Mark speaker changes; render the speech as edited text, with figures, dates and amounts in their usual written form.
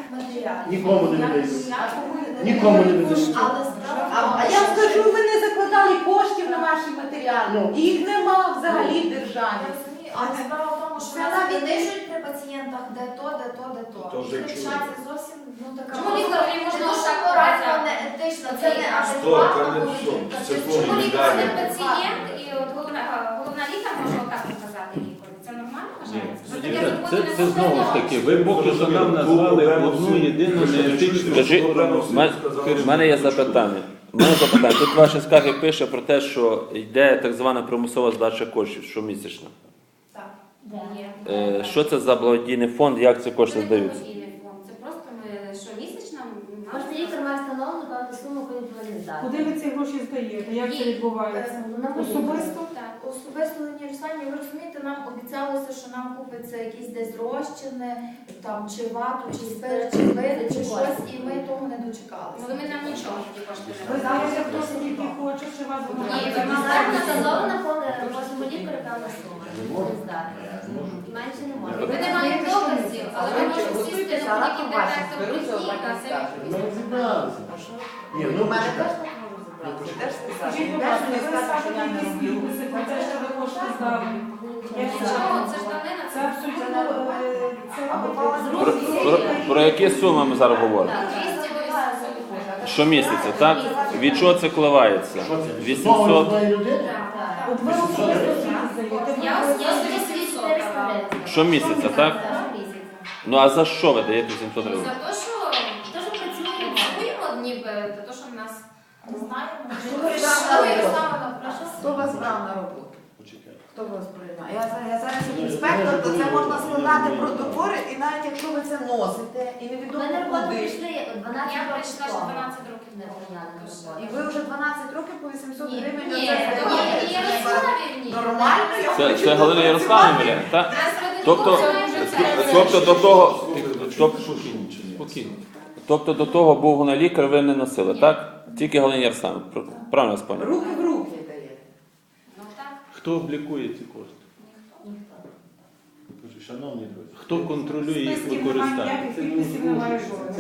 Speaker 1: матеріалів.
Speaker 2: Нікому не видають. Нікому не видають.
Speaker 3: А я скажу, ми не закладали коштів на ваші матеріали. Їх нема взагалі в державі.
Speaker 4: Але справа в тому, що нас віддишують при пацієнтах де то. І кричаться зовсім, така...
Speaker 5: Чому лікарі можна
Speaker 4: дуже
Speaker 5: отак
Speaker 4: акуратно,
Speaker 5: казати?
Speaker 4: не етично, це не адекватно поведінка.
Speaker 5: Чому лікар не пацієнт і от головна лікар може отак казати лікарю? Це нормально вважається?
Speaker 6: Це знову ж таки, ви поки що нам назвали одну єдину неетичну сторону.
Speaker 7: У мене є запитання. Тут ваші скарги пише про те, що йде так звана примусова здача коштів щомісячно.
Speaker 5: Так.
Speaker 7: Що це за благодійний фонд, як ці кошти здаються?
Speaker 5: Це просто ми щомісячно...
Speaker 8: Кожен лікар має встановлену певну суму, яку він повинен здати.
Speaker 9: Куди ви ці гроші здаєте? Як це відбувається? Особисто?
Speaker 4: Так, особисто Лені Руслані, ви розумієте, нам обіцялося, що нам купиться якісь десь розчини, там, чи вату, чи спирт, чи вини, чи щось, і ми того не дочекалися.
Speaker 5: Але ми нам нічого такі кошти
Speaker 9: Ви
Speaker 5: не
Speaker 9: знаєте,
Speaker 5: даємо.
Speaker 9: хто скільки хоче, чи вас
Speaker 5: Ні,
Speaker 9: вимагає?
Speaker 5: ви
Speaker 8: Зараз встановлена кожному лікарю певна сума, яку він повинен здати. І менше не може.
Speaker 5: Ми не маємо доказів, але ми можемо сісти на будь-який детектор брехні, та це
Speaker 2: Ми розібралися. Ні, ну почекайте.
Speaker 9: Скажіть, будь ласка, ви скажете якісь відписи про те, що ви кошти здали?
Speaker 5: Чому? Це ж данина,
Speaker 9: Це абсолютно...
Speaker 7: Про які суми ми зараз говоримо?
Speaker 5: 280.
Speaker 7: Щомісяця, так? Від чого це коливається?
Speaker 2: Що це?
Speaker 7: 800?
Speaker 2: Одної людини?
Speaker 9: От ви особисто скільки здаєте?
Speaker 5: Я особисто 800 давала.
Speaker 7: Щомісяця, так? Ну а за що ви даєте 700
Speaker 5: За
Speaker 7: гривень?
Speaker 5: те, що працюємо ніби, за те, що в нас...
Speaker 4: Не знаємо.
Speaker 3: Хто вас брав на роботу? Хто вас приймає? Я зараз як інспектор, то це можна складати протоколи, і навіть якщо ви це носите, і
Speaker 8: Ми
Speaker 3: невідомо
Speaker 8: на роботу
Speaker 3: куди.
Speaker 8: прийшли 12
Speaker 5: Я
Speaker 8: років
Speaker 5: прийшла ще
Speaker 8: тому.
Speaker 5: 12 років
Speaker 8: Не прийняли на роботу.
Speaker 3: І ви вже 12 років по 800
Speaker 5: Ні,
Speaker 3: гривень.
Speaker 5: ні,
Speaker 3: оце
Speaker 5: то
Speaker 3: здаєте.
Speaker 5: я Ярославі, ні.
Speaker 3: Нормально, я
Speaker 7: Це,
Speaker 3: хочу
Speaker 7: це Галина Ярославівна, так? Тобто до того... Спокійно. Тобто до того був лікар, ви не носили, так? Тільки Галина Ярославівна. Правильно я споняв?
Speaker 3: руки в руки даєте.
Speaker 5: Ну так.
Speaker 6: Хто облікує ці кошти?
Speaker 2: Шановні друзі.
Speaker 6: Хто контролює їх
Speaker 9: Списків немає,
Speaker 6: використання?
Speaker 9: ніяких підписів немає жодних.